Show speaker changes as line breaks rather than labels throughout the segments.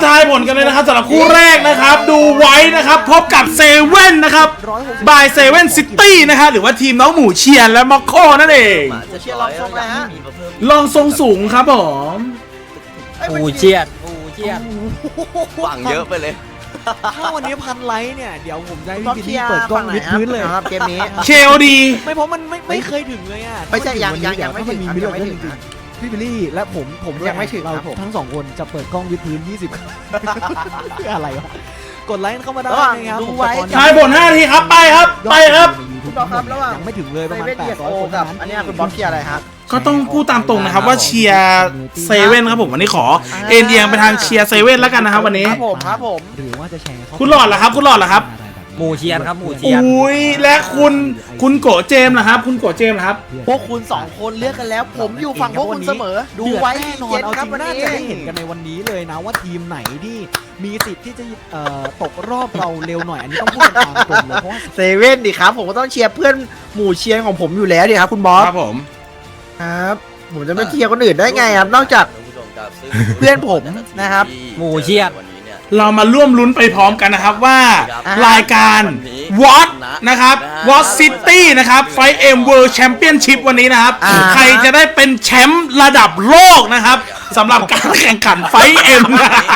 ทายผลกันเลยนะครับสำหรับคู่แรกนะครับดูไว้นะครับพบกับเซเว่นนะครับบายเซเว่นซิตี้นะครับหรือว่าทีมน้องหมูเชียนและม็อกโคนั่นเอง
จะเชียร์ลองทรงเลยฮะ
ลองทรงสูงครับผม
ปูเชียด
หวังเยอะไปเลย
ถ้าวันนี้พันไลค์เนี่ยเดี๋ยวผมจะให้พี่บิลลี่เปิดกล้องวิดพื้นเลย
ครับเกมนี้
เคลดี
ไม่เพราะมันไม่เคยถึงเลยอ่ะ
ไม่ใช่ยังไม่ถึง
มี
ยังไม่
เรื่อง
ถึง
จริงๆพี่บิลลี่และผมด้วย
ยังไม่ถึง
เรา
ครับผม
ทั้งสองคนจะเปิดกล้องวิดพื้น20 เพื่ออะไรวะกดไลค์เข้ามาได้นะครับ
ดูไว้
ทายผล5 นาทีครับไปครับไปครับ
คุณบอกครับระหว่าง
ยังไม่ถึงเลยประมาณ
เซเว่น
800 คน
กับ
เท่านั้น
อันนี้คุณบ๊อบเชียร์อะไรครับ
ก็ต้องพูดตามตรงนะครับว่าเชียร์เซเว่นครับผมวันนี้ขอเอ็นเอียงไปทางเชียร์เซเว่นแล้วกันนะครับวันนี้
ครับผม
หรือว่าจะแชร์เข้า
คุณหลอดเหรอครับคุณหลอดเหรอครับ
หมูเชียนครับหมูเชียน
อุ้ยและคุณโกเจมส์นะครับคุณโกเจมส์นะครับ
พวกคุณ2คนเลือกกันแล้ว ผมอยู่ฝั่งพวกคุณเสมอ ดูไว้
แน่นอน
เย็น
เอา
ค
จ
รับ
ริง
วัน
น่า
นี้
จะได้เห็นกันในวันนี้เลยนะว่าทีมไหนที่มีสิทธิ์ที่จะตกรอบเราเร็วหน่อยอันนี้ต้องพูดกันตามตรงเลยเพราะว่า
เซเว่นดิครับ ผมก็ต้องเชียร์เพื่อนหมู่เชียร์ของผมอยู่แล้วดิครับคุณบ๊อบ
ครับผม
ครับ ผมจะไม่เชียร์คนอื่นได้ไงครับ นอกจากเพื่อนผมนะครับ
หมูเชียน
เรามาร่วมลุ้นไปพร้อมกันนะครับว่ารายการวอตนะครับวอตซิตี้นะครับไฟเอ็มเวิลด์แชมเปี้ยนชิพวันนี้นะครับใครจะได้เป็นแชมป์ระดับโลกนะครับสำหรับการแข่งขันไฟเอ็ม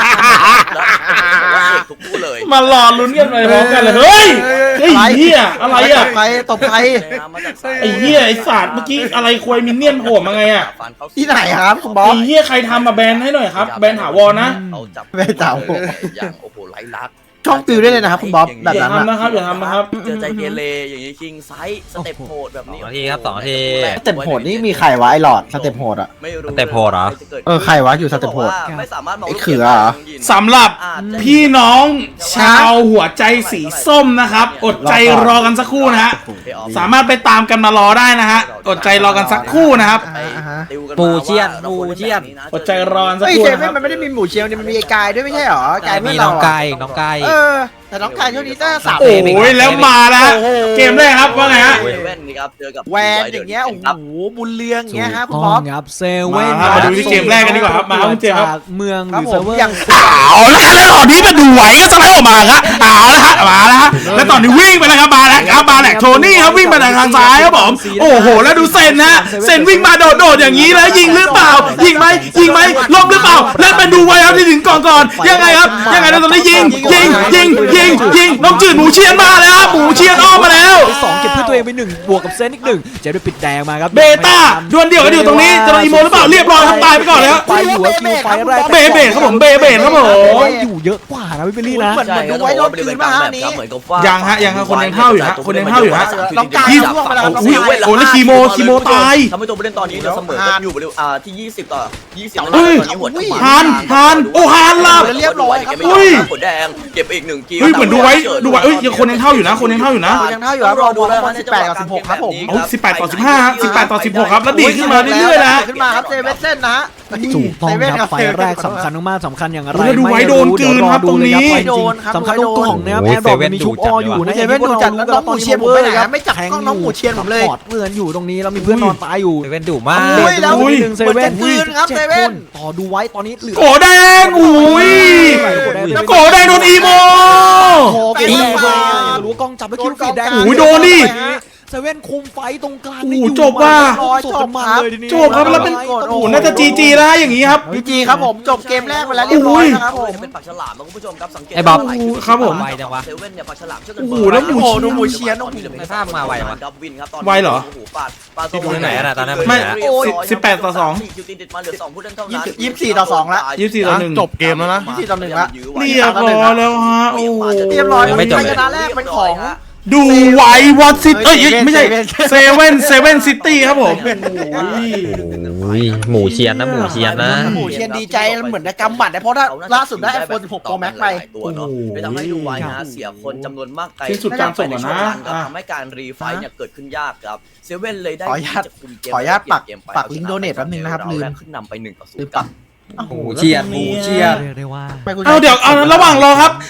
มารอลุ้นกันไปพร้อมกันเลยเฮ้ยไอ้เหี้ยอะไรอ่ะ
ตบใคร
ไอ้เหี้ยไอ้ศาสตร์เมื่อกี้อะไรควยมินเนี่ยนโผล่มาไงอ่ะ
ที่ไหนครับคุณบ๊อบ
ไอ้เหี้ยใครทำมาแบนให้หน่อยครับแบนถาวรนะ
ไม่เต่า
อย่างโอ้โหไร้ลักษณ์
ช่องติวได้เลยนะครับคุณบ๊อบแบบ
อย่า
นั้น
ทำนะครับอย่าทำนะครับ
เจอใจเกเรอย่างนี้คิงไซส์สเต็ปโหดแบบนี้
2 นาทีครับ2 นาที
สเต็ปโหดนี่มีใครวะไอ้หลอดสเต็ปโหดอ่ะ
ไม่รู้
สเต็ปโหดเหรอ
ใครวะอยู่สเต็ปโหด
ไม่สามารถมอง
ไอ้เขือเหรอ
สำหรับพี่น้องชาวหัวใจสีส้มนะครับ อดใจรอกันสักครู่นะฮะสามารถไปตามกันมารอได้นะฮะอดใจรอกันสักครู่นะครับ
หมูเชียนหมูเชียน
อดใจรอกันสัก
เฮ้ย
ครู่
เซ
นะค
เว่
รั
น
บ
มันไม่ได้มีหมูเชียวมันมีไอ้กายด้วยไม่ใช่หรอกายเพื่
มี
อน
น้
เรา
องไก่น้องไก่
แต่น้องกายช่วงนี้ตั้งสาม
โอ้ยแล้วมาแล้วฮะเกมแรกครับว่าไงฮะ
เซเว่นนี่ครับเจอกับ
แวนอย่างเงี้ยโอ้โหบุญเรืองอย่างเงี้ยฮะคุณ
ต้
บ๊
อ
อง บ
ครับเซเว่น
มาดูที่เกมแรกกันดีกว่าครับมาครับคุณเจมส์ครับ
จากเมืองห
ครั
รื
บ
อ
ผ
เซิ
ม
ร์ฟเวอร์
อย่าง
เอาละแล้วตอนนี้มาดูไหวก็สไลด์ออกมาครับเอาละฮะมาแล้วฮะแล้วตอนนี้วิ่งไปแล้วครับมาแล้วครับมาแหลกโทนี่ครับวิ่งไปทางซ้ายครับผมโอ้โหแล้วดูเซนนะเซนวิ่งมาโดดอย่างนี้แล้วยิงหรือเปล่ายิงไหมลบหรือเปล่าแล้วไปดูไว้ครับที่ถึงก่อนยังไงครับยังไงแล้วตอนนี้ยิงน้องจืดหมูเชียนมาแล้วครับหมูเชียนอ้อมมาแล้ว
สองเก็บเพื่อตัวเองไป1บวกกับเซนอีก1เจะได้ปิดแดงมาครับ
เบต้าดวลเดี่ยวกันอยู่ตรงนี้จะโดนอีโมหรือเปล่าเรียบร้อยครับตายไปก่อนแล้ว
ไปอยู่ว่าคิวไฟแรก
เบเบดครับผมเบเบดครับผม
อยู่เยอะกว่านะพี่เบลลี่นะ
ใช่ครับว่าบริเวณกลางแบบครับเหมือนกับว่า
ยั
ยัง
ฮะคนยังเท่าอยู่ฮะคนยังเท่าอยู่ฮะ
น้องกายล่วงไปแล้วครับ
อุ้ยโอ้แล้วคีโมตาย
ทำให้ตัวผู้เล่นตอนนี้เราเสมอกันอยู่บริเวณที่20 ต่อ 20แล้ว
เฮ้ย
ตอนนี้หัว
ฮานโอ้ฮานลับ
เรียบร้อยครับ
อุ้ย
หัวแดงเก็บไปอีก1 คิว
เฮ้ยเหมือนดูไว้เอ้ยยังคนยังเท่าอยู่นะคนยังเท่าอยู่นะ
ยังเท่าอยู่ครับรอดูแล้วมัน18กับ16ครับผม
เอา18 ต่อ 15ฮะ18 ต่อ 16ครับแล้วดีขึ้นมาเรื่อยๆแล้ว
ขึ้นมาครับเซเว่นเส้นนะ
ถูกต้องครับไฟแรกสำคัญมากๆสำคัญอย่างไร
แล้วดูไว้โดนกลืนครับตรงนี้
สำคัญตรงกล่องนะครับแอร์ดรอปมีชุบออยู่นะ
เซเว่นดูจัดแล้วน้องหมูเชียนผมไปไหนนะไม่จับกล้องน้องหมูเชียนผมเลย
ปอดเลือนอยู่ตรงนี้แล้วมีเพื่อนนอนตายอยู่
เซเว่นดุมาก
อุ้ยแล้ว
อุ้ย
หนึ่งเซเว่น
เหมือนจะกลืนครับเซเว่น
ต่อดูไว้ตอนนี้เหลือ
โกแดงอุ้ยแล้วโกแดงโดนอีโม
คอเป็นแดงเลยรู้กล้องจับแล้วคิวฟีดแดง
โอ้ยโดนดิ
เซเว่นคุมไฟตรงกลาง
โอ้โหจบว่ะ
จบมันเลยทีนี้
จบครับแล้วเป็นโอ้โหน่าจะจีแล้วอย่างงี้ครับ
พีจีครับผมจบเกมแรกไปแล้วเรียบร้อยนะครับผม
เป็นปากฉลามนะคุณผู้ชมครับสังเกต
ไอ้บ๊อบ
ครับผม
ไวจังวะ
เซเว่นเนี่ยปากฉลามช่วยกัน
โอ้โหแล้วหมู
ดูหมูเชียน
ในภาพมาไววะ
ดับวินครับตอนนี้
ไวเหรอ
โอ้โหปาด
ที่ดูที่ไหนอะน่ะตอนนั้น
ไม่
เรียบร้อย
18 ต่อ 2
คิวติดมาเหลือ2ผู้เล่นเท่านั้น
24 ต่อ 2แล้ว
24 ต่อ 1
จบเกมแล้วนะ
24 ต่อ 1ละ
เรียบร้อยแล้วฮะโอ้โห
เรียบร้อย
ไม่จบ
ชนะแรกเป็นของ
ดูไว้วอตซิตี้ไม่ใช่
เซเว่น
เซเว่นซิตี้ครับผม
อุ้ยหมูเชียนนะหมูเชียนนะ
หมูเชียนดีใจเหมือนได้กำหมัดนะเพราะถ้าล่าสุดได้ iPhone 16 Pro Max ไป
ตัวเนาะไม่ทำให้ดูไว้นะเสียคนจำนวนมากไป
ที่สุดการส่งอะนะ
ทำให้การรีไฟเนี่ยเกิดขึ้นยากครับเซเว่นเลยได้
ขออนุญาต
ที่จะคุมเกม
ขออนุญาตปัก
เมไป
ปักลิงก์ donate แป๊บนึงนะครับลืม
ขึ้นนำไป1 ต่อ
ลืม
0
ปัก
หมูเชียนหมูเชียน
เรียกได้ว่า
เอาเดี๋ยวเอาระหว่างรอครับ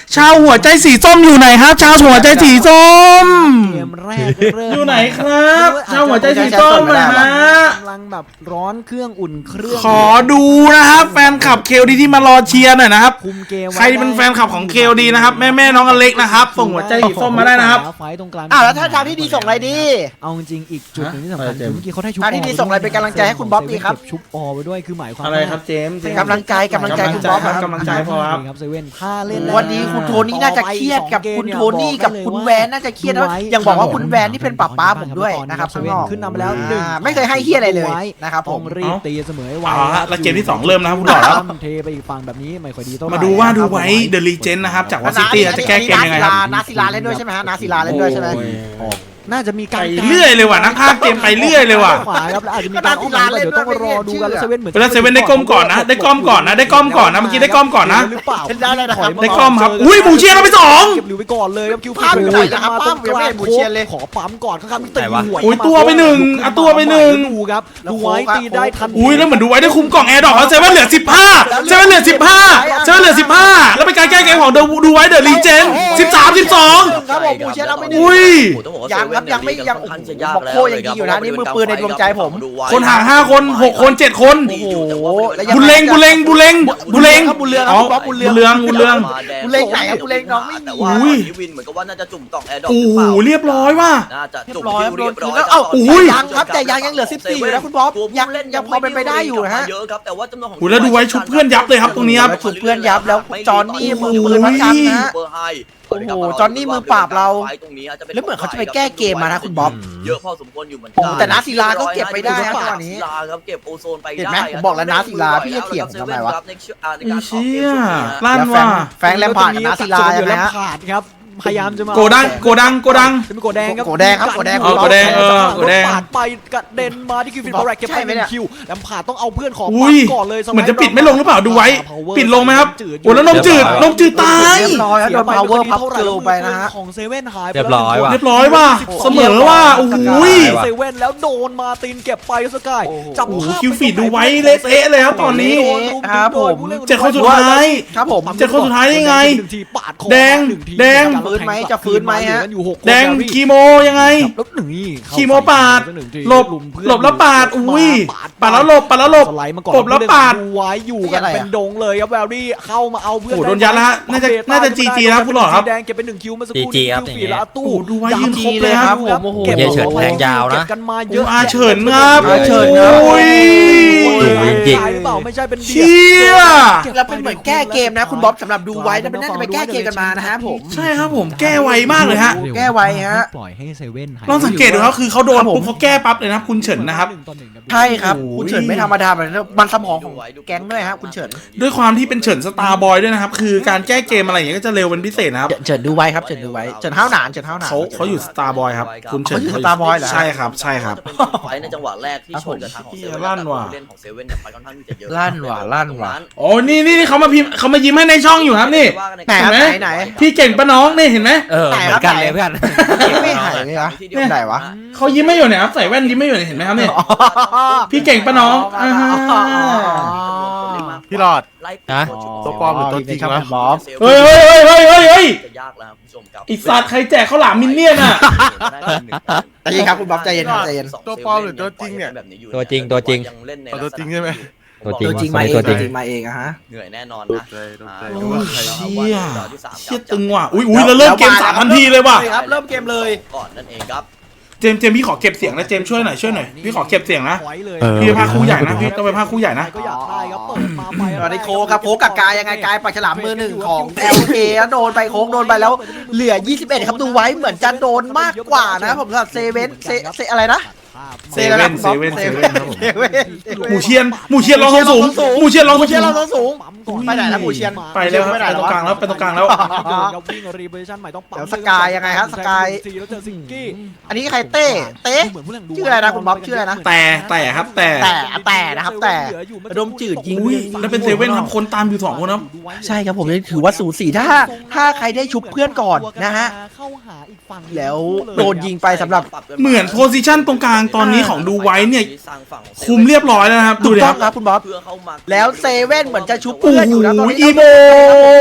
ชาวหัวใจสีส้มอยู่ไหนครับ ชาวหัวใจสีส้ม
เกมแรกเริ่ม
อยู่ไหนครับชาวหัวใจสีส้มนะฮะ
กำลังแบบร้อนเครื่องอุ่นเครื่อง
ขอดูนะครับแฟนคลับเคลดีที่มารอเชียร์หน่อยนะครับ
คุมเกมไว้
ใครเป็นแฟนคลับของเคลดีนะครับแม่น้องอเล็กนะครับส่งหัวใจสีส้มมาได้นะครับ
ไฟตรงกลาง
แล้วถ้าทางที่ดีส่งอะไรดี
เอาจริงๆอีกจุดหนึงที่สำคัญคือเมื่อกี้เขาได้ชุบ
ทางที่ดีส่งอะไรเป็นกำลังใจให้คุณบ๊อบดีครับ
เก็ชุบออไปด้วยคือหมายความ
อะไรครับเจมส์
กำลังใจคุณบ๊อบครับ
กำลังใจพอครับ
ครับเซเว่นถ้าเล่น
วันนี้คุณโทนี่น่าจะเครียดกับคุณโทนี่กับคุณแวนน่าจะเครียดนะยังบอกว่าคุณแวนนี่เป็นป้าผมด้วยนะครับ
เซ
ข้าง
เว่
น
น
อก
ขึ้นนำไปแล้วหนึ่ง
ไม่เคยให้เฮียอะไรเลยนะครับผ
ต้อ
ม
งรีบตีเสมอให้ไว
เอาละแล้วเกมที่2เริ่มนะครับคุณหลอดครับ
เทไปอีกฝั่งแบบนี้ไม่ค่อยดีเท่าไหร่
มาดูว่าดูไว้เดอะลีเจนนะครับจากวอซิตี้จะแก้เกมยังไงครับ
นาศิลาเล่นด้วยใช่ไหมฮะนาศิลาเล่นด้วยใช่ไหม
น่าจะมีการ
ไปเรื่อยเลยว่ะนักพากย์เกมไปเรื่อยเลยว่ะ
ขวาครับแล้วอาจจะมีการอ้อมหลังเดี๋ยวต้องรอดูกันแล้วเซเว่นเหมือน
แล้วเซเว่นได้ก้มก่อนนะได้ก้มก่อนนะได้ก้มก่อนนะเมื่อกี้ได้ก้มก่อนนะ
หรือเปล่า
ได้เลยนะครับ
ได้ก้มครับอุ้ยหมูเชียร์เราไปสอง
เก็บหลิวไปก่อนเลยครับคิว
ภาพอยู่ไหนนะครับภาพยังไม่เห็นหมูเชียร์เลย
ขอปั๊มก่อนครับตีหัว
อุ้ยตัวไปหนึ่งเอาตัวไปหนึ่ง
ดูครับดูไว้ตีได้ทัน
อุ้ยแล้วเหมือนดูไว้ได้คุมกล่องแอร์ดอกแล้วเซเว่นเหลือ15เซเว่นเหลือ15เซเว่นเหลือ15แล้วเป็นการแก้เกมของดูไว้เดอะลีเจน13 12
ครับผมหมูเชียร์เราไม่ได้
อุ้ย
ยังครับยังไม่ยังบอกโคยังดีอยู่นะนี่มือปืนในดวงใจผม
คนห่าง5คน6คน7คน
โอ้โหแล้วยัง
บุญเล็ง
ครับบุญเรืองครับ
บุญ
บุญเรือง
เรือง
บุญเล็งไหนครับบุญเล็งน้องไม่มี
แต่ว่า
อุ้ย
วินเหมือนกับว่าน่าจะจุ่มกล่องแอร์ดรอป
โอ้
หรือ
โห
เปล่า
เรียบร้อยว่ะ
น่าจะ
เรีย
จุ่ม
บร้อย
คิวเรียบร้อย
แล้วเอ้า
โอ้ย
ยังครับแต่ยังเหลือ14อยู่นะคุณบ๊อบยังพอเป็นไปได้อยู่นะฮะ
เยอะครับแต่ว่าจำนวนของ
โอ้ยแล้วดูไว้ชุบเพื่อนยับเลยครับตรงนี้ครับ
แล้วชุบเพื่อนยับแล้วจอห์นนี่มือปืนวัดกันนะฮะ
เบอร์ไฮ
โอ้โหจอห์นนี่มือปราบเรา
ตรงนี้จะป็
แล้วเหมือนเขาจะไปแก้เกมมานะคุณบ๊อบ
เยอะพอสมควรอยู่เหมือน
โอ้
กั
โหแต่นาศิลาก็เก็บไปได้นะจังหวะนี้
ศิลาครับเก็บโอโซนไป
เห็น
ได้
ไหมผมบอกแล้วนาศิลาพี่จะเถียงผมทำไมวะ
ในการออกเกม
เชี่ย
ช่วงนี้นะ
ลั่น
แล้ว
ว่ะ
แฟงแลมพาร์ดกับนาศิลาใช่ไหมฮะ
ขาดครับพยายามจะมา
โกดัง
จะมีโกแดงครับ
โกแดงครับโกแดง
โกแดงโกแดง
ปาดไปกระเด็นมาที่คิวฟินบอร์แรกเก็บไป
ใช่ไหมเนี่ย
1 คิวแลมพาร์ดต้องเอาเพื่อนของ
อุ้ย
ก่อนเลย
เหมือนจะปิดไม่ลงหรือเปล่าดูไว้ปิดลงไหมครับโอ้แล้วนมจืดตาย
เรียบร้อยครับโดน power pub girl ไปนะฮะ
ของเซเว่นหายไป
เรียบร้อยว่ะ
เรียบร้อยว่ะเสมอว่ะโอ้โห
เซเว่นแล้วโดนมาตีนเก็บไปสกายจับ
โอ้โหคิวฟีดดูไว้เละเทะเลยครับตอนนี้
ครับผม
เจ็ดคนสุดท้าย
ครับผม
เจ็ดคนสุดท้ายได้ไง
หนึ่ทีปาดคอ
แดง
หนึ่ที
แดง
ฟื้นไหมจะฟื้นไหมฮะ
อยู่หกคน
แดงคีโมยังไง
แล้วหนึ่งนี่เข้า
คีโมปาด
หนึ่งที
หลบ
ลุมเพื่อน
หลบแล้วปาดอุ้ยปาดแล้วหลบ
สไลด์มาก่อน
กบแล้วปาด
ดูไว้อยู่กันเป็นดงเลยครับแวลลี่เข้ามาเอาเพื่อน
โอ้โหโดนยัดแล้วฮะน่าจะ GG นะครับคุณหลอดครับ
แดงเก็บไป1 คิวเมื่อสักครู่
GG ครับ
คิวฝีแล้วตู้
โอ้โหดูไว้
ย้ำ
ยืนครบเลยครับ
ผมโอ้โห
ก็บ
เยเฉินแทงยาวนะ
เก็บกันมาเยอะ
อาเฉินครับ
อาเฉินครับ
โอ้ย
ดูจริง
ใช่หรือเปล่าไม่ใช่เป็น
เชี่ย
แล้วเป็นเหมือนแก้เกมนะคุณบ๊อบสำหรับดูไว้แล้วเป็นน่าจะไปแก้เกมกันมานะฮะผม
ใช่ครับผมแก้ไวมากเลยฮะ
แก้ไวฮะ
ปล่อยให้เซเว่นหาย
ลองสังเกตดูครับคือเขาโดน
ครับผม
ปุ๊บเขาแก้ปั๊บเลยนะครับคุณเฉินนะครับ
ใช่ครับ
โอ้โห
คุณเฉินไม่ธรรมดาแบบนั้นมันสมองของแก๊งด้วยครับคุณเฉิน
ด้วยความที่เป็นเฉินสตาร์บอยด้วยนะครับคือการแก้เกมอะไรอย่างเงี้ยก็จะเร็วเป็นพิเศษนะครับ
เฉินดูไว้ครับเฉินดูไว้เฉินห้าวหนานเฉินห้าวหนาน
เขาอยู่สตาร์บอยครับคุณเฉิน
เขาอยู่ Starboy เหรอ
ใช่ครับใช่ครับ
จะเป็นไฟในจังหวะแรกที่ชนกับทางของเซเว่น
ลั่นว่ะ
เล่นของเซเว่นเนี่ยไปค่อนข้างที่จะเยอะ
ลั่นว่ะลั่นว่ะ
โอ้นี่เขามาพิมพ์เขามายิ้มให้ในช่องอยู่ครับนี่
ไหนครับ
เห็นไหม
ไหน
พี่เก่งปะน้องนี่เห็นไหม
เออเหมือนกันเลยเพื่อน
ไม่หายเลยเหรอ ไหนวะ
เขายิ้มไม่อยู่เนี่ยครับใส่แว่นยิ้มไม่อยู่เนี่ยเห็นไหมครับเนี่ย พี่เก่งปะน้องอ่าฮะ
พี่หลอด
ฮะ
ตัวปลอมหรือตัวจริงวะ
บ๊อบ
เฮ้ย
จะยากแล้วครับคุณผู้ชมครับ
ไอสัตว์ใครแจกข้าวหลามมินเนี่ยนอ่ะ
ใจเย็นครับคุณบ๊อบใจเย็นครับใจเย็น
ตัวปลอมหรือตัวจริงเนี่ย
ตัวจริงตัวจริง
ยังเล่นใน
เอาตัวจริงใช่ไหม
ตัวจริง
ตัวจริง
ว่ะ
มาเอง
ตัวจ
ตั
ริ
ว
ง
จริงมาเองอะฮะ
เหนื่อยแน่นอน
ต
นะ
กใจตกใจ
โอ้
นึกว่าใคร
เชี่ยเชี่ยตึงว่ะอุ้ยแล้วเริ่มเกมสามทันทีเลยว่ะ
ครับเริ่มเกมเลย
ก่อนนั่นเองครับ
เจมส์พี่ขอเก็บเสียงนะเจมส์ช่วยหน่อยพี่ขอเก็บเสียงนะ
ไว้เลย
พี่ไปพาครูใหญ่นะพี่ต้องไปพาครูใหญ่นะ
ก็อยากได้ครับเปิดมาไป
ตอนนี้โค้กครับโค้กกับกายยังไงกายปากฉลามมือหนึ่งของ LK โดนไปโค้กโดนไปแล้วเหลือ 21 ครับดูไว้เหมือนจะโดนมากกว่านะผมสำหรับเซเว่นอะไรนะ
เซเว่นครับผม
เซเว่น
หมูเชียนลองสูงหมูเชียนลอง
หมูเชียนเรา
สูง
ต้องสูง ไปไหนแล้วหมูเชียน
ไปแล้วครับไปตรงกลางแล้วไปตรงกลางแล้ว
วิ่งรีเวอร์ชันใหม่ต้องปั๊ม
เดี๋ยวสกายยังไงฮะสกาย
แล้วเจอซิงกี้
อันนี้ใครเต้ชื่ออะไรนะคุณบ๊อบชื่ออะไรนะ
แต่ครับแต่
แต่นะครับแต่ระดมจืดยิง
อุ้ยแล้วเป็นเซเว่นครับคนตามอยู่2คนครับ
ใช่ครับผมถือว่าสูสีถ้าใครได้ชุบเพื่อนก่อนนะฮะ
เข้าหาอีกฝั่ง
แล้วโดนยิงไปสำหรับ
เหมือนโพซิชันตรงกลางตอนนี้ของดูไว้เนี่ย
สร้างฝั่งของ
คุมเรียบร้อยแล้วนะครับดู
ถูก
ดิ
ต้
ค
อ
รั
ง
บ
ครับคุณบ๊อบ
เพื่อเข้ามา
แล้วเซเว่นเหมือนจะชุบ
โอ้
เพื่อน
โห
อยู่นะตอนนี้
อีโม
โมโร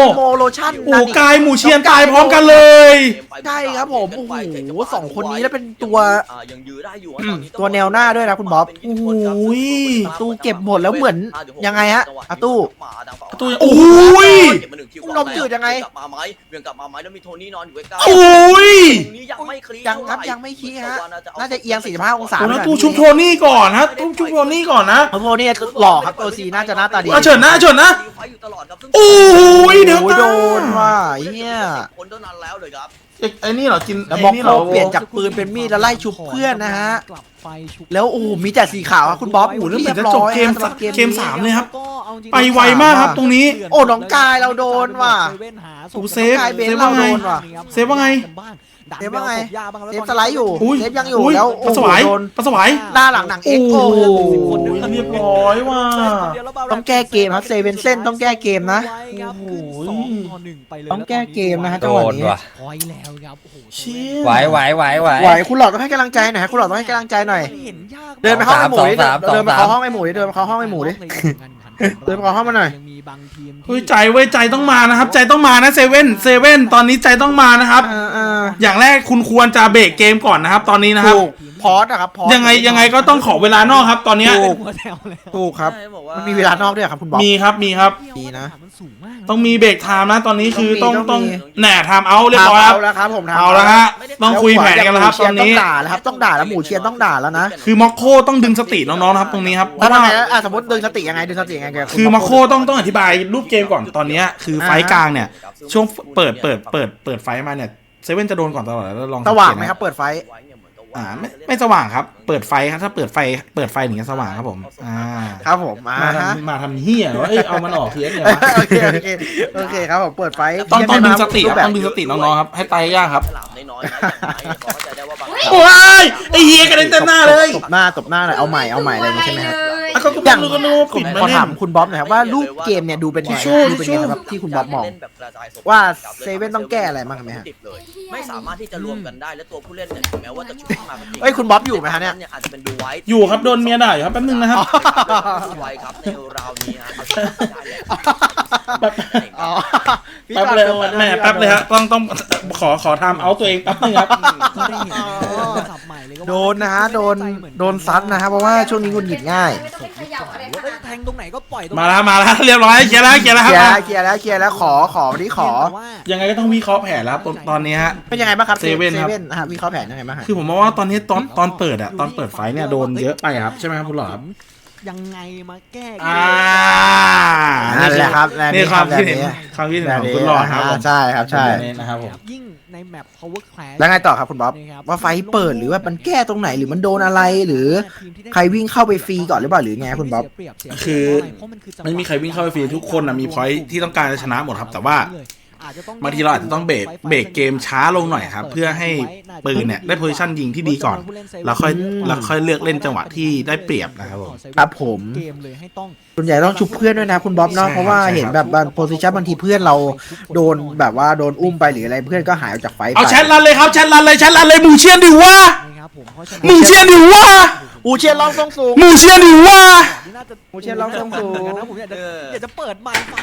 ชั่น
โอ้กายหมู่เชียนตายพร้อมกันเลย
ใช่ครับผมโอ้โหสองคนนี้แล้วเป็นตัว
ยังยื้อได้อยู่
ตัวแนวหน้าด้วยนะคุณบ๊อบ
โอ้ย
ตู้เก็บหมดแล้วเหมือนยังไงฮะอาตู้
ตัวโอ้ย
นมจืดยังไง
กลับมาไหมเวียงกลับมาไหมแล้วมีโทนี่นอนอยู่ใกล้
โอ้ย
ตรงนี้ยังไม่เคลียร์
ยังครับยังไม่ขี้ฮะน่าจะเอียง45องศา
โอ้แล้วตู้ชุบโทนี่ก่อนนะตู้ชุบโทนี่ก่อนนะ
โอ้โหนี่หล่อครับตัวซีน่าจะหน้าตาดี
เฉินนะเฉินนะ
ไฟอยู่ตลอดครับ
โอ้ยเดี๋ยว
โอ้ยโดนว่ะเฮีย
คนเท่านั้นแล้วเลยครับ
ไอ้นี่เหรอกิน
แล้ว
ไอ้
บ็อก
นี่
โค
เหรอ
เปลี่ยนจากปืนเป็นมีดแล้วไล่ชุบเพื่อนนะฮะ
กลับไปชุบ
แล้วโอ้โหมีแต่สีขาวอะคุณบ๊อบ
โอ้โหแล้วเห
เรี
มือย น
บ
จะ
ร้
จบ
อย
เกม
สำหรับ
เกม 3เลยครับ
ก็เอาจริงๆ
ไปไวมากครับตรงนี้
โอ้น้องกายเราโดนว่ะ
โอ้เซฟ
กายเบน
เซฟ
เรา
ว่าไง
โดนว่ะ
เซฟว่าไง
เซฟว่าไง เซฟสไลด์อยู่
อุ้ย
เซฟยังอยู่
อุ้ย
แล้ว
ปลาสวาย
โดน
ปลาสวาย
หน้าหลังหนังเอ็
โอ้
ก
โห
โอ้
เรียบร้อยว่ะ
ต้องแก้เกมครับเซเว่นเส้นต้องแก้เกมนะ
โอ้โห ไปเลย
ต้องแก้เกมนะฮะ
โด
จังหวะ
น
นี้
ว่ะ
พอยแล้วครับโอ้โห
เชี่ย
ไหวไหวไหวไหว
ไหวคุณหลอดต้องให้กำลังใจหน่อยฮะคุณหลอดต้องให้กำลังใจหน่อย
เห็นยาก
เดินไปเข้าห้องไอ้หมูดิ
สองสาม
เดินไป
สองสาม
เข้าห้องไอ้หมูดิเดินไปเข้าห้องไอ้หมูดิ เดินไปเข้าห้องมาหน่อย
ยังมีบางทีมที่
เฮ้ยใจเว้ยใจต้องมานะครับ ใจต้องมานะเซเว่นตอนนี้ใจต้องมานะครับ อย่างแรกคุณควรจะเบรกเกมก่อนนะครับ ตอนนี้นะครับ
ถูกพอสนะครับพอส
ยังไงก็ต้องขอเวลานอกครับตอนเนี้ย
ถูก
หัวแถวแล้ว
ถูกครับ
ใช่บอกว่า
มันมีเวลานอกด้วยเหรอครับคุณบ๊อบ
มีครับมีครับ
ดีนะ
มันสูงมาก
ต้องมีเบรกไทม์นะตอนนี้คือ
ต้
ต้
อ
อง ง
มี
แหน่ไทม์เอาเรียบร้อยครับ
เอาแล้วครับผมทำ
เอาแล้วฮะต้องคุยแผนกันแล้วครับตอนนี้
ต้องด่าแล้วครับต้องด่าแล้วหมูเชียนต้องด่าแล้วนะ
คือมอคโคต้องดึงสติน้องๆนะครับตรงนี้ครับเพ
แล้ว
ราะ
ทำ
ว่า
ไงสมมติดึงสติยังไงดึงสติยังไงแก
คือมอคโคต้องอธิบายรูปเกมก่อนตอนเนี้ยคือไฟท์กลางเนี่ยช่วงเปิดไฟท์มาเนี่ยเซเว่นจะโดนก่อนตลอดแล้วลอง
สว่างไหมครับเปิดไฟ
ไม่สว่างครับเปิดไฟครับถ้าเปิดไฟถึงจะสว่างครับผม
ครับผมมา
มาทำเฮียว่าเอามันออกเทียนเนี่ย
โอเคครับผมเปิดไฟ
ต้องดึงสติครับต้องดึงสติน้องๆครับให้ตายยากครับ
ฉลามน้อยๆนะเขาเข้าใจได้ว่าบาง
โอ้ยไอเฮียกระเด็นเต็มหน้าเลย
ตบหน้าหน่อยเอาใหม่อะไรอย่างนี้ใช่ไหมครับ
อ่ะก็ต้องดูกันดู
ผม
ปิดมา
ขอ
เล่
ถาม
น
คุณบ๊อบหน่อยครับว่ารูปเกมเนี่ยดูเป็นไง
ทิชชู่
ดูเป็นไงสำหรับที่คุณบ๊อบมอง ว่าเซเว่นต้องแก้อะไรบ้างไหมฮะ
ไม่สามารถที่จะรวมกันได้และตัวผู้เล่นเนี่ยถึงแม้ว่าจะชุดมาก็จริง
เอ้ยคุณบ๊อบอยู่ไหมฮะเนี่ย
อาจจะเป็นดูไว้
อยู่ครับโดนเมียด่าอยู่ครับแป๊บนึงนะครับ
ไว้ครับในราวนี้ฮะ
แป๊บ
อ๋อ
แป๊บเลยแม่แป๊บเลยฮะต้องขอทำเอาตัวเองแป๊บนึงครับ
ก็ได้เห็นสับใหม่เลยก็ว่า
โดนนะฮะโดนซัดนะฮะเพราะว่าช่วงนี้คุณหงิดง่าย
ไม่ต้องไปเขย่าอะไร
ว่า
ค่ะ
แทงตรงไหนก็ปล่อยตรง
มาแล้วเรียบร้อยเคลียร์แล้วครับ
เคลียร์แล้วขอวันนี้ขอ
ยังไงก็ต้องวิเคราะห์แผนแล้วครับตอนนี้ฮะ
เป็นยังไงบ้างครับ
เซเว่นครับ
ฮะวิเคราะห์แผนยังไงบ้างฮะ
คือผมมองว่าตอนนี้ตอนเปิดอะตอนเปิดไฟเนี่ยโดนเยอะไปครับใช่ไหมครับคุณหลอดครับ
ยังไงมาแก้
นั่นแหละครับ
นี่ความคิดเห็น
แบบนี้
ความคิดเห็นของคุณหลอดครับผม
ใช่ครับใช่
แบบนี้นะครับผม
ยิ่งในแมป power class
แล้วไงต่อครับคุณบ๊อบว่าไฟเปิดหรือว่ามันแก้ตรงไหนหรือมันโดนอะไรหรือใครวิ่งเข้าไปฟรีก่อนหรือเปล่าหรือไงคุณบ๊อบ
คือไม่มีใครวิ่งเข้าไปฟรีทุกคนนะมีพอยท์ที่ต้องการจะชนะหมดครับแต่ว่าบางทีเราอาจจะต้องเบรกเกมช้าลงหน่อยครับเพื่อให้ปืนเนี่ยได้โพซิชันยิงที่ดีก่อนแล้วค่อยเลือกเล่นจังหวะที่ได้เปรียบนะครับผม
ครับผม
เกมเลยให้ต้อง
ส่วนใหญ่ต้องชุบเพื่อนด้วยนะคุณบ๊อบเนาะ
ใช่ครับ
เพราะว่า
ใช่ครับ
เห็นแบบบางโพซิชันบางทีเพื่อนเราโดนแบบว่าโดนอุ้มไปหรืออะไรเพื่อนก็หายออกจากไฟไป
เอาแชทรันเลยครับแชทรันเลยหมู่เชียนดิวะ
นะครับผมเพราะฉะนั้น
หมู่เชียนดิวะ
อูเชียนร้องทรงสูง
หมู่เชียนดิวะ
น่าจะ
หมู่เชียนร้องทรงสูง
นะผมอยากจะเปิดไมค์ฟัง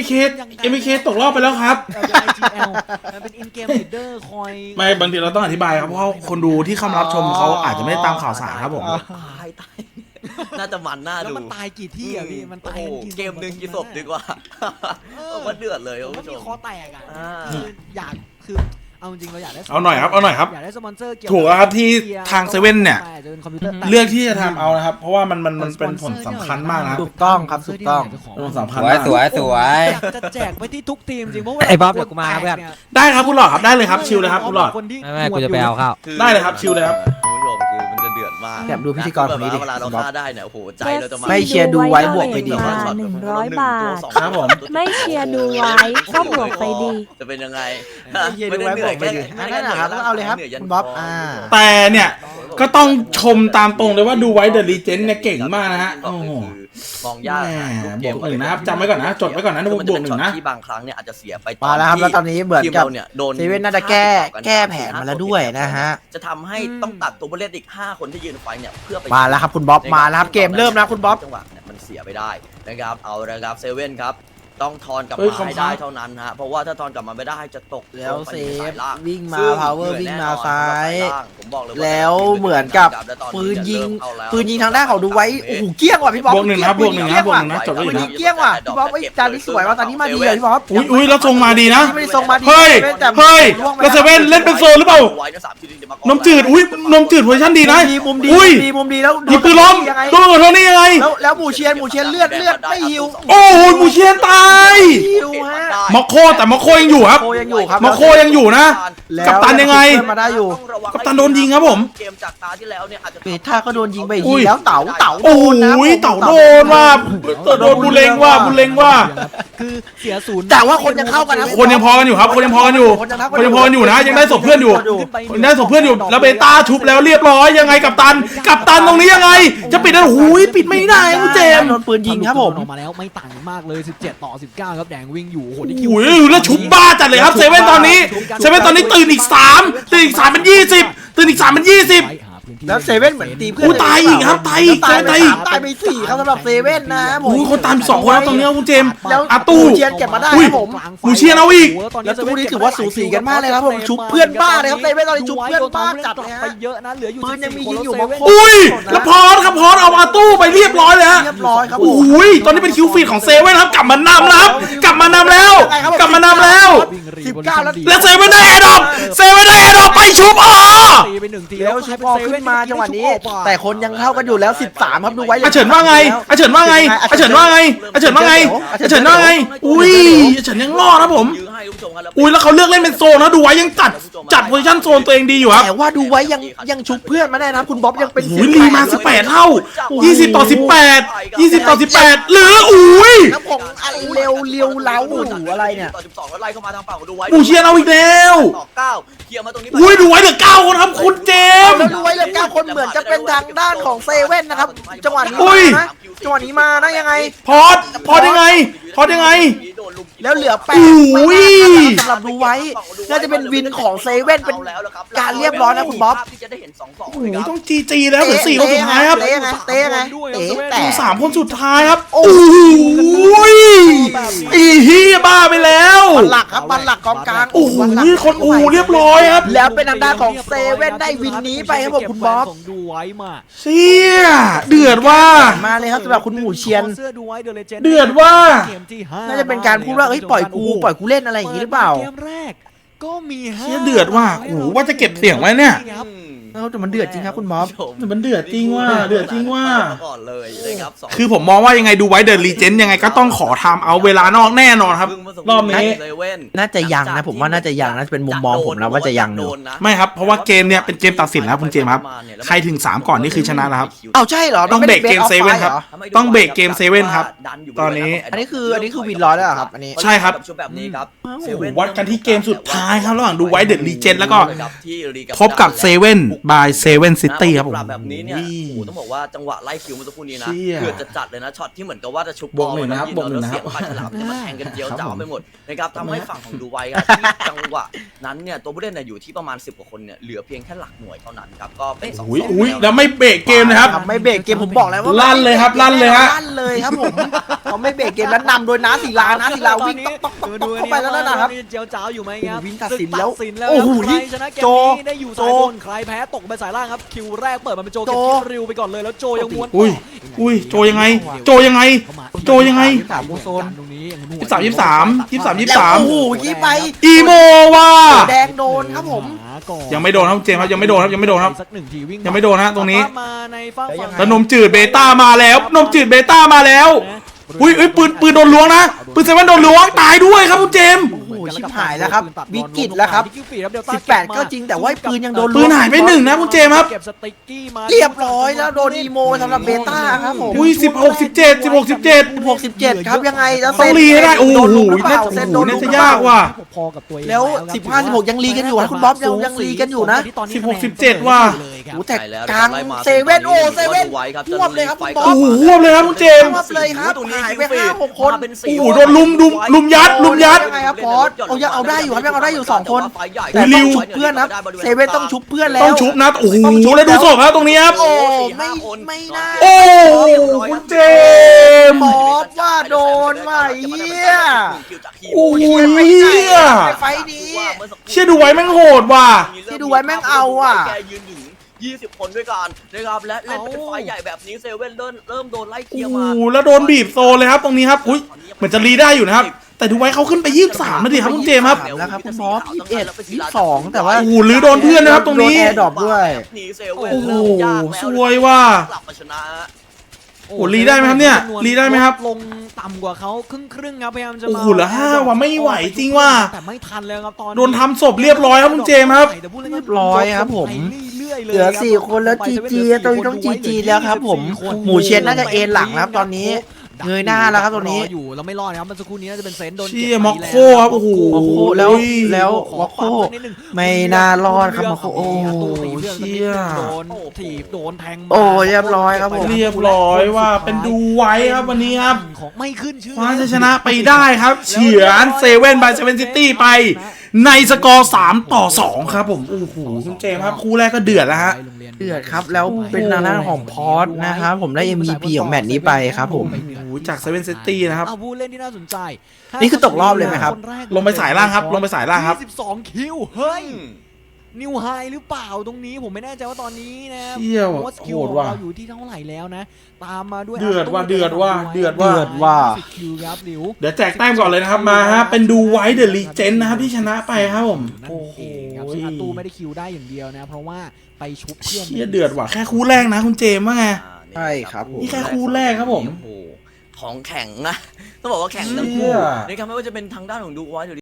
MKK ตกรอบไปแล้วครับ
LGL มันเป็น in game leader คอย
ไม่บางทีเราต้องอธิบายครับเพราะว่าคนดูที่เข้ามารับชมเขาอาจจะไม่ได้ตามข่าวสารครับผม
ตายน่าจะมันน่า
แล้ว
ดู
มันตายกี่ที่อ่ะพี่มันตาย
โอ้โห
กี่
เกมหนึ่งกี่ศพดีกว่าว่าเดือดเลยคุณ
มัน
ผู้ช
มี
ม
คอแตกอ่ะ
อ่า
คืออยากคือเอาจริงเราอยากได้
เอาหน่อยครับ
อยากได้สปอนเซอร์เกี่ยว
ถูกแล้วครับที่ทางเซเว่นเนี่ย
อาจจะเป็นคอมพิวเตอร์แต
เลือกที่จะทำเอานะครับ เพราะว่ามันเป็นผลสำคัญมากนะครับ
ถูกต้องครับถูกต้อง
เป็นผลสำคัญ
สวย
มาก
สวยสวย
อยากจะแจกไปที่ทุกทีมจริงเพราะว่า
ไอ้บ๊อบเดี๋ยวกูมาเพื่อน
ได้ครับคุณหลอดครับได้เลยครับชิลเลยครับคุณหลอด
ไม่กูจะไปเอาข้าว
ได้เลยครับชิลเลยครับ
คุณผู้ชมคือมันจะเดือดมาก
แบบดูพิธีกรคนนี้ดิ
เวลาเราฆ่าได้เนี่ยโอ้โหใจเราจะมา
ไม่เชียร์ดูไว้บวกไปดี
มา100 บาท
ครับผม
ไม่เชียร์ดูไว้ก็บวกไปดี
จะเป็นยังไง
ไม่เชียร์ดูไว้บวกไปดีนั่นแหละครับต้องเอาเลยครับคุณบ๊อบ
แต่เนี่ยก็ต้องชมตามตรงเลยว่าดูไว้เดอะลีเจนด์เนี่ยเก่งมากนะฮะโอ้โห
มองยาก
บวกหนึ่งนะครับจำไว้ก่อนนะจดไว้ก่อนนะบวกหนึ่งนะ
ที่บางครั้งเนี่ยอาจจะเสียไป
มาแล้วครับแล้วตอนนี้เหมือนกับ
เนี่ยโดน
เซเว่นน่าจะแก้แผนมาแล้วด้วยนะฮะ
จะทำให้ต้องตัดตัวผู้เล่นอีก5คนที่ยืนไฟเนี่ยเพื่อไป
มาแล้วครับคุณบ๊อบมาแล้วครับเกมเริ่มแล้วคุณบ๊อบ
จังหวะเนี่ยมันเสียไปได้นะครับเอาละครับเซเว่นครับต้องทอนกลับ
เฮ้ย
มาให้ได้เท่านั้นฮะเพราะว่าถ้าทอนกลับมาไม่ได้จะตก
แล้วเซฟ
ล่าง
วิ่งมา
ซึ่
power
เหนื่อย
วิ่ง
แน่
มาน
อน
ซ้าย
ผมบอกเลยว่า
แล้วเหมือนกับปืนยิงทางด้านของดูไว้โอ้โหเกี้ยงว่ะพี่บ๊อบบ
วกหนึ่งนะบวกหนึ่งนะบวกหนึ่งนะจบแล้ว
ปื
อี
น
ก
ยิ
นะ
งเกี้ยงว่ะพี่บ๊อบไอ้จานนี้สวยว่ะตอนนี้มาดีเลยพี่บ๊อบ
อุ้ยแล้วทรงมาดีนะ
ไม่ได้ทรงมาดี
เฮ้ย
แต่
เฮ้ย
ล่วงไป
แล้วเซเว่นเล่นเป็นโซนหรือเปล่า นมจืด อุ้ยนมจืดเวอร์ชันดีนะ
มุมดี
อุ้ย
มุมดีแล้ว
ยิงปืนล้ม
ยังไง
โดนกับโทนี่ยังไง
แล้วหมูเชียนเลือดไม่หิว
โอ้โหมูเชียนตาย
หิวฮะ
มอคโคแต่มอคโคยังอยู่ครับ
โคยังอยู่ครับ
มอคโคยังอยู่นะ
แล้ว
กัปตันยังไง
เพื่อนมาได้อยู่
กัปตันโดนยิงครับผม
เกมจากตาที่แล้วเนี่ยอาจจะ
เบต้าก็โดนยิงไปอีก
อุ้
ที
ย
แล้วเต๋า
โอ้
โดนนะ
ยเต่าโดนว่าโดนบุเลงว่า
คือเสียศูนย์
แต่ว่าคนยังเข้ากันนะ
คนยังพอกันอยู่ครับ คนยังพอกันอยู่ คนยังพอกันอยู่นะ ยังได้ศพเพื่อนอยู่ยังได้ศพเพื่อนอยู่ แล้วเบต้าชุบแล้วเรียบร้อยยังไงกัปตันตรงนี้ยังไง จะปิดได้หูยปิดไม่ได้คุณเจมส์
โดนปืนยิงครับผม
ออกมาแล้วไม่ต่างกันมากเลย17 ต่อ 19ครับแดงวิ่งอยู่โอ้โหนี่คิว
โอ้ยแล้วชุบบ้าจัดเลยครับเซเว่นตอนนี้ตื่นอีก3เป็น20ตื่นอีก3เป็น20
แล้วเซเว่นเหมือนตีเพื่อน
อู้ตายอีกครับตายอีก
ตายไป
ตายอีก
3ตายไป4ครับสำหรับเซเว่นนะผม
โอ้ยคนตาม2คนแล้วตรงนี้คุณเจมส์
แล้ว
อาตู้
หมูเชียนเก็บมาได้
อุ้ย
ครับผม
หมูเชียนเอาอีก
แล้วตู้นี้ถือว่าสูสีกันมากเลยครับผมชุบเพื่อนบ้าเลยครับเซเว่นตอนนี้ชุบเพื่อนบ้าจัดเลยฮะ
ไปเยอะนะเหลืออยู่
ปืนยังมี
14
ยิงอยู่
คน
บาง
แล้ว
คน
อุ้ยแล้วพอสครับพอสเอาอาตู้ไปเรียบร้อยเลยฮะ
เรียบร้อยครับผม
โอ้ยตอนนี้เป็นคิวฟีดของเซเว่นครับกลับมานำแล้วครับกลับมานำแล้ว
19แล้ว
แล้วเซเว่นได้แอร์ดรอปไปชุบอ๋อ
ตีไป1 ที
แล้วชิปออกขึ้นมาจังหวะนี้ แต่คนยังเข้ากันอยู่แล้ว13ครับดูไว้
อาเฉินว่าไงอุ้ยอาเฉินยังรอดครับผม
ยื้อให้คุณผู้ชมครับ
อุ้ยแล้วเขาเลือกเล่นเป็นโซนนะดูไว้ยังจัดโพซิชั่นโซนตัวเองดีอยู่ครับ
แต่ว่าดูไว้ยังชุบเพื่อนมาได้นะคุณบ๊อบยังเป็น
อุ้ยลีมา18เท่า20 ต่อ 18หรืออุ้ย
แล้วผมอะไรเร็วเล้าอะไรเนี่ย
ต่อ12แล้วไล่เข้ามาทางฝั่งของดูไว้
อูเชียนเอาอีกแล้ว
ต่อ9เคลียร์มาตรงนี้
อุ้ยดูไว้เหลือ9คนครับคุณเจมส์
แล้วดูไว้เหลือ9คนเหมือนจะเป็นทางด้านของเซเว่นนะครับจังหวะนี้
อุ้
มาย นะจังหวะนี้มานะยังไง
พอดยังไง
แล้วเหลือ8
อุ้ย
สำหรับดูไว้น่าจะเป็นวินของเซเว่นเป็นการเรียบร้อยนะคุณบ๊อบ
ที่จะได้เห็น2-2
โอ้โหต้องจีแล้วเหลือ4คนสุดท้ายครับ
เตะไงเตะแต่
3คนสุดท้ายครับโอ้โหอีเฮียบ้าไปแล้ว
บัลลักครับบัลลักกองกลาง
โอ้โหคนอูเรียบร้อยครับ
แล้วเป็นทางด้านของเซเว่นได้วินนี้ไปครับผมคุณบ๊อบ
ของดูไว้มา
เชี่ยเดือดว่า
มาเลยครับสำหรับคุณหมูเชียน
เสื้อดูไว้เดอะเลเจนด์
เดือดว่า
เกมที่5
น่าจะเป็นการพูดว่าเฮ้ยปล่อยกูเล่นอะไรอย่างงี้หรือเปล่า
เกมแรกก็มี5
เชี่ยเดือดว่าโอ้โหว่าจะเก็บเสียงไว้เนี่ย
แต่มันเดือดจริงครับคุณบ๊อบ
มันเดือดจริงว่า
ก่อนเลยนะครับ2
คือผมมองว่ายังไงดูไว้เดอะรีเจนยังไงก็ต้องขอทำเอาเวลานอกแน่นอนครับ รอบนี้
น่าจะยังนะผมว่าน่าจะยังนะเป็นมุมมองผมนะว่าจะยังอยู่
ไม่ครับเพราะว่าเกมเนี่ยเป็นเกมตัดสินแล้วคุณเจมส์ครับใครถึง3ก่อนนี่คือชนะแล้วครับ
เอาใช่เหรอ
ต้องเบรกเกมเซเว่นครับ ต้องเบรกเกมเซเว่นครับตอนนี้
อันนี้คือวินร้อยแล้วเหรอครับอันนี้
ใช่ครับ
แบบนี้ครับ
โอ้โหวัดกันที่เกมสุดท้ายครับระหว่างดูไว้เดอะรีเจนแล้วก็พบกับเซเว่นบายเซเว่นซิตี้ครับผม
แบบนี้เนี่ยโอ้โหต้องบอกว่าจังหวะไล่คิวเมื่อสักครู่นี้นะ
เชี่ย
เกือบจะจัดเลยนะช็อตที่เหมือนกับว่าจะชุบบ
วกหนึ่งนะครับ
บอล
บวกหนึ่งนะครับ
แล้วเสียงปลายฉลามจะมาแทงกันเจียวจ้าวไปหมดนะครับทำให้ฝั่งของดูไว้ครับที่จังหวะนั้นเนี่ยตัวผู้เล่นเนี่ยอยู่ที่ประมาณ10กว่าคนเนี่ยเหลือเพียงแค่หลักหน่วยเท่านั้นครับก็เป็น2-2
อุ้ยแล้วไม่เบรกเกมนะครับ
ไม่เบรกเกมผมบอกแล้วว่า
ลั่นเลยครับลั่นเลยฮะ
ลั่นเลยครับผมเขาไม่เบรกเกมแล้วนำโดยน้าศิลาวิ่งต๊อกเข้าไปแล้วนะครับ
เจียวจ้าวอยู่ไหมครับ
วินตัดสินแล้ว
ตัดสินแล้ว
โอ้โห
ใครชนะเกม
โจ
นี้ได้อยู่สายบนใครแพ้ตกไปสายล่างครับคิวแรกเปิดมาเป็นโจเก็บคิวริวไปก่อนเลยแล้วโจยังม้วน
อุ้ยโจยังไง โจยังไง
ถามโซน
ตรงนี้
23
โอ้โหยี่ไป
อีโมว่ะ
แดงโดนครับผม
ยังไม่โดนครับเจมส์ครับยังไม่โดนครับ
สัก1ทีวิ่ง
ยังไม่โดนฮะตรงนี้
มาในฝั่ง
แล้วนมจืดเบต้ามาแล้วอุ้ยปืนโดนล้วงนะปืนเซเว่นโดนล้วงตายด้วยครับคุณเจมส์
โอ้โหชิบหายแล้วครับวิกฤตแล้วครับ18ก็จริงแต่ว่าปืนยังโดน
ปืนหายไป1นะคุณเจมส์ครับ
เก็บสติ๊กกี้มา
เรียบร้อยแล้วโดนอีโมสำหรับเบต้าครับผม
อุ้ย16-17
67ครับยังไงแล้ว
ต้องรีให้ได้โอ้โห
โดนลุกหรือเปล่า
น่า
เซนโดนลุกหรือ
จะ
เปล่าย
ากว่ะ
พอกับตัวเอง
แล้ว15-16ยังรีกันอยู่นะคุณบ๊อบยังรีกันอยู่นะ
16-17ว่ะ
โอ้แต่กลางเซเว่นโอ้เซเว่นควบเลยครับคุณบ๊อบ
โอ้โหรวบเลยครับคุณเจมส์
ควบเลยครับหายไป5-6คน
โอ้โหโดนลุมยัด
ยังไงครับพอสโอ้ยังเอาได้อยู่ครับยังเอาได้อยู่2คน
แต่
แต่
ริ
ต้อง
ว
ชุบเพื่อนนะเซเว่นต้องชุบเพื่อนแล้ว
ต้องชุบนะโอ้โหแล้วดูศพครับตรงนี้ครับ
โอ้ไม่น่า
โอ้คุณเจมส์
บอสว่าโดนว่ะเหี้ย
โอ้ย
ไม่
เฮี
ได้
ย
ไฟนี้
เชี่ยดูไว้แม่งโหดว่ะ
ที่ดูไว้แม่งเอาอะ
แกยืนถึง20 คนด้วยกันนะครับและเล่นเป็นไฟใหญ่แบบนี้เซเว่นเริ่มโดนไล่เคลียร์
โอ้
มา
โหแล้วโดนบีบโซนเลยครับตรงนี้ครับอุ้ยเหมือนจะรีได้อยู่นะครับแต่ดูไว้เขาขึ้นไป23นาทีครับคุณเจมส์ครับ
แล้วครับคุณบอส21 22แต่ว่า
โอ้โหหรือโดนเพื่อนนะครับตรงนี้
โดนแอร์ดรอปด้วย
หนีเซเว่น
โอ้โห
เริ่มยากแล้ว
สวยว่ะ
กลับมาชนะ
โอ้รีได้ไหมครับเนี่ยรีได้ไหมครับ
ลงต่ำกว่าเขาครึ่งครับพยายามจะ
โอ้
มา
โหเหลือ5ว่ะไม่ไหวจริงว่ะ
แต่ไม่ทันเลยครับตอนนี้
โดนทำศพเรียบร้อยครับคุณเจมส์ครับ
เรียบ
ร้อยครับผม เหลือ4คนแล้ว GG ตรงนี้ต้อง GG แล้วครับผมหมูเชียนน่าจะเอ็นหลังนะครับตอนนี้เงยหน้าแล้วครับตรงนี้
อยู่เราไม่รอดนะครับเมื่อสักครู่นี้น่าจะเป็นเซนโดน
เชี่
เก็
ย
บ
ม็อกโคครับโอ้โห
โอ้โหแล้ว
ขอ
วอคโค
ปรับสักนิดนึง
ไม่น่ารอดครับวอคโคโอ้
เชี่ยโดนถีบโดนแทง
โอ้เรียบร้อยครับผม
เรียบร้อยว่าเป็นดูไว้ครับวันนี้ครับ
ของไม่ขึ้นชื่อ
คว้าชัยชนะไปได้ครับเฉือนเซเว่นบายเซเว่นซิตี้ไปในสกอร์3-2ครับผมโอ้โหคุณเจมส์ครับคู่แรกก็เดือดแล้วฮะ
เดือดครับแล้วเป็นทางด้านของพอร์ตนะครับผมได้ MVP ของแมตช์นี้ไปครับผม
โอ้โหจากเซเว่นซิตี้นะครับ
เอาผู้เล่นที่น่าสนใจ
นี่คือตกรอบเลยไหมครับ
นแก
ลงไปสายล่างครับลงไปสายล่างครับ
22คิวเฮ้ยนิวไฮหรือเปล่าตรงนี้ผมไม่แน่ใจว่าตอนนี้นะ
เชี่ยว
ว่าสกิล
โหด
ของ
ว่ะ
เราอยู่ที่เท่าไหร่แล้วนะ ตามมาด้วย
เดือดว่ะ
อัลโต้
เดือดว่ะ
ไ
เดือดว่ะ
เดือดว่ะ
20คิวครับหลิว
เดี๋ยวแจกแต้มก่อนเลยนะครับมาฮะเป็นดูไว้เดอะลีเจนนะครับที่ชนะไปครับผม
นั่น
โอ้โห
เองครับซึ่งอาตูไม่ได้คิวได้อย่างเดียวนะ เพราะว่าไปชุบเพื่อน
เชี่ยเดือดว่ะแค่คู่แรกนะคุณเจมส์ว่าไง
ใช่ครับผม
นี่แค่คู่แรกครับผม
โอ้โหของแข็งนะต้องบอกว่าแข็งทั้ง
เชี่
คู่
ย
นะครับไม่ว่าจะเป็นทางด้านของดูไว้หรือ